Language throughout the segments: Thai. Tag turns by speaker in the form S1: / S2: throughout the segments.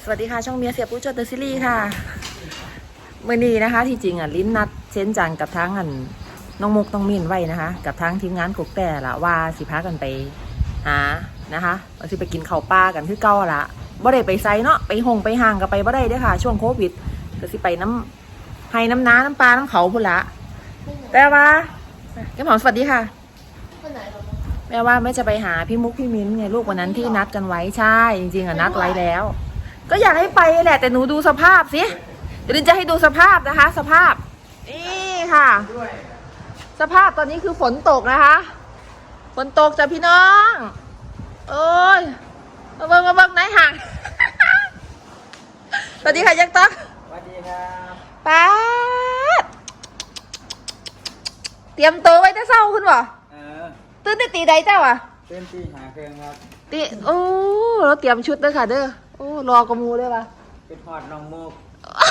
S1: วัสดีค่ะช่องเมียเสียผู้จดเดอะซีรีส์ค่ะเมื่อนี้นะคะที่จริงลิ้นนัดเช่นจังกับทั้งน้องมุกต้องมินไว้นะคะกับทั้งทีมงานกกแต่ละว่าสิพากันไปหานะคะว่าสิไปกินข้าวปลากันคือเก่าละบ่ได้ไปไซเนาะไปหงไปห่างกับไปบ่ได้เด้อค่ะช่วงโควิดก็สิไปน้ำให้น้ำน้ำน้ำปลาน้ำเขาพุ่นละแต่ว่าแก้มหอมสวัสดีค่ะแม่ว่าไม่จะไปหาพี่มุกพี่มิ้นไงลูกวันนั้นที่นัดกันไว้ใช่จริงๆนัดไว้แล้วก็อยากให้ไปแหละแต่หนูดูสภาพสิเดี๋ยวจะให้ดูสภาพนะคะสภาพนี่ค่ะสภาพตอนนี้คือฝนตกนะคะฝนตกจ้ะพี่น้องโอ้ยมาเบิ่งไหนห่างสวัสดีค่ะยักษ์ต๊อก
S2: สวัสดีครับ
S1: ป๊าดเตรียมตัวไว้จะเศร้าขึ้นบ่ตื่นได้ตีใดเจ้าอ่ะ
S2: ตื่นตีหาเครื่องครับ
S1: ตีโอ้เราเตรียมชุดเด้อค่ะเด้อโอ้รอกระมูเลยป่ะ
S2: เป็นหอดน้องมุก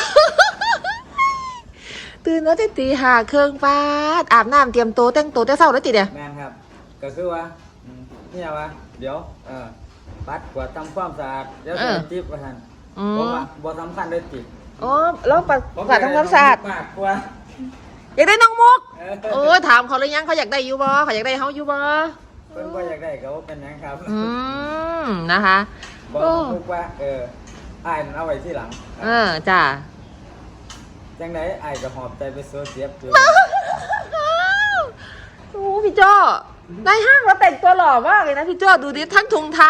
S1: ตื่นแล้วตีหาเครื่องป้าดอาบน้ำเตรียมตัวแต่งตัวแต่เศร้าแล้วติเนี่ย
S2: แมนครับก็คือว่านี่วะเดี๋ยวปัดกวาดทำความสะอาดเดี๋ยวจะจิ๊บว่าท่านผมว่าบ่สำคัญเลยจิบ
S1: อ๋อแล้วปัดกวาดทำความสะอาด
S2: มากกว่า
S1: อยากได้น้องมุกโอ้ถามเขาเลยยังเขาอยากได้อยู่บ่เขาอยากได้เขาอยู่บ่
S2: เพิ่นว่าอยากได้ก็เป็นยังครับ
S1: นะคะ
S2: บอกมุกว่าอ้ายเอาไว้ที่หลัง
S1: จ้า
S2: จังไดอ้ายก็หอบใจไปโซเสียบอยู่
S1: โอ้พี่โจ้ในห้างเราแต่งตัวหล่อมากเลยนะพี่โจ้ดูดิทั้งถุงเท้า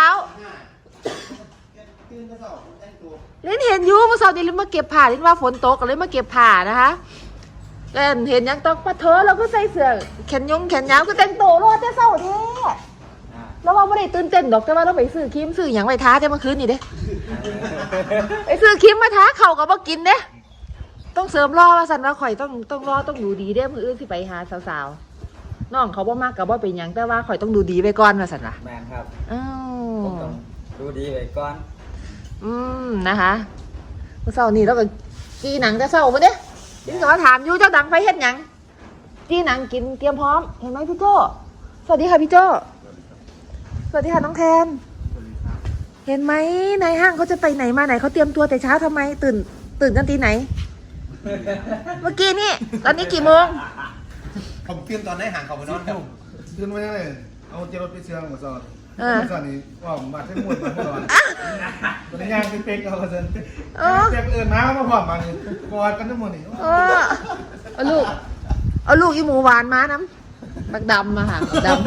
S1: ลิ้นเห็นอยู่เมื่อเช้านี้ลิ้นมาเก็บผ้าลิ้นว่าฝนตกก็เลยมาเก็บผ้านะคะเห็นยังต้องปะเธอเราก็ใส่เสื้อแขนยาวก็แต่งตัวรอดแต่เศร้าแท้แล้วว่าไม่ได้ตื่นเต้นดอกแต่ว่าเราไปซื้อครีมซื้ออย่างไปท้าแต่เมื่อคืนนี่เด้ไปซื้อครีมมาท้าเข่ากับมากินเด้ต้องเสริมรอว่าสันว่าข่อยต้องรอต้องดูดีเด้มืออื่นที่ไปหาสาวๆน้องเขาบ่มากกับว่าเป็นอย่างแต่ว่าข่อยต้องดูดีไปก่อนว่าสันว่ะ
S2: แมนครับผมต้องดูดีไปก่อน
S1: นะคะเมื่อเช้านี้เราก็กีหนังแต่เศร้ามาเด้ยิ่งขอถามอยู่เจ้าดังไฟเฮ็ดหยังกีหนังกินเตรียมพร้อมเห็นไหมพี่โจ้สวัสดีค่ะพี่โจ้สวัสดีค่ะน้องแทนเห็นไหมในห้างเขาจะไปไหนมาไหนเขาเตรียมตัวแต่เช้าทำไมตื่นกันตีไหนเมื่อกี้นี่ตอนนี้กี่โมง
S3: ผมเตรียมตอนไหนห่างเขาไปนอนครับตื่นมาเนี่ยเอาเจรถไปเชื่อมกับซอนซอนนี่ว่าผมมาใช้มวยมาตลอดตอนนี้ย่างเป็นเป๊กเอาเซ็นเป๊กมาพร้อมมากอดกันทั้งหมดนี่
S1: เอาลูกอีหมูหวานมาน้ำบักดำมาค่ะบักดำ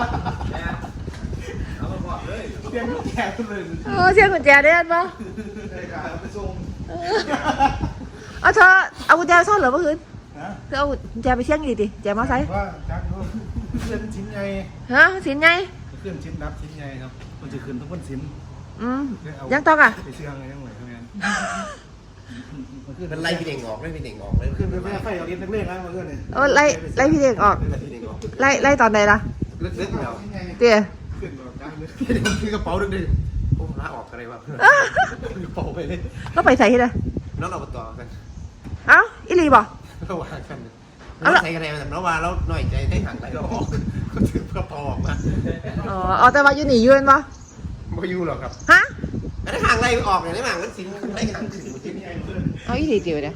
S3: เสียงกุญแจเลย
S1: เสียงกุญแจได้ปะ
S3: ไปส่ง
S1: เธอเอากุญแจซ่อนเหรอเมื่อคืนเธอเอากุญแจไปเสี่ยงดิแจมาใส่
S3: ว่าจักเพื่อนชิ้นใหญ่
S1: ชิ้นใหญ่
S3: เพื่อนชิ้นนับชิ้นใหญ่ครับมันจะขึ้นทุกคนชิ้น
S1: ยังต้อง
S3: ไปเชื่องไงยังไงทำงาน
S4: มันไล่พี่เด่งออกเลยพี่เด่งออกเลย
S3: ขึ้นไปไฟเอาเล็กเล็กๆนะมาเพื่อนเนี่ย
S1: ไล่พี่เด็กออกไล่ตอนไหนล่ะ
S4: เล็กๆแล้ว
S1: เตี๋ย
S3: ขึ้นแบบนั้นเลย
S4: คือกระเป๋าดึกๆผมลาออกอะไรวะกระเป๋าไปเลย
S1: ก็ไปใส่ที่ไหน
S4: น้องเราต่อกัน
S1: เอ้าอิลีบอก
S4: เราวางกันเราใส่กันเองแต่เราวางแล้วหน่อยใจได้ห่างไรเราออกก็ถือกระเป๋าออกมา
S1: อ๋อแต่ว่าอยู่หนียืนปะ
S4: ไม่อยู่หรอกครับ
S1: ฮะ
S4: แต่ห่างไรออกอย่างนี้ห่างมันสินได้ห่างสิน
S1: เอาอิลีเตี๋ยวเนี่ย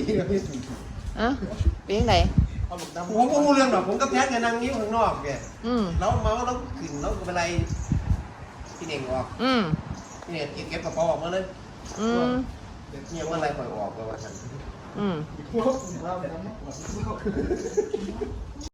S1: เป็นยังไง
S4: ผมก็รู้เรื่องหรอกผมก็แพ้กันนั่งนิ้วข้างนอกแกแล้วเมาแล้วขึ้นแล้วเป็นไรพี่เน่งออกพี่เน่งกินเก็บกระเป๋าออกมาเลยเนี่ยเมื่อไรปล่อยออกก็ว่าฉัน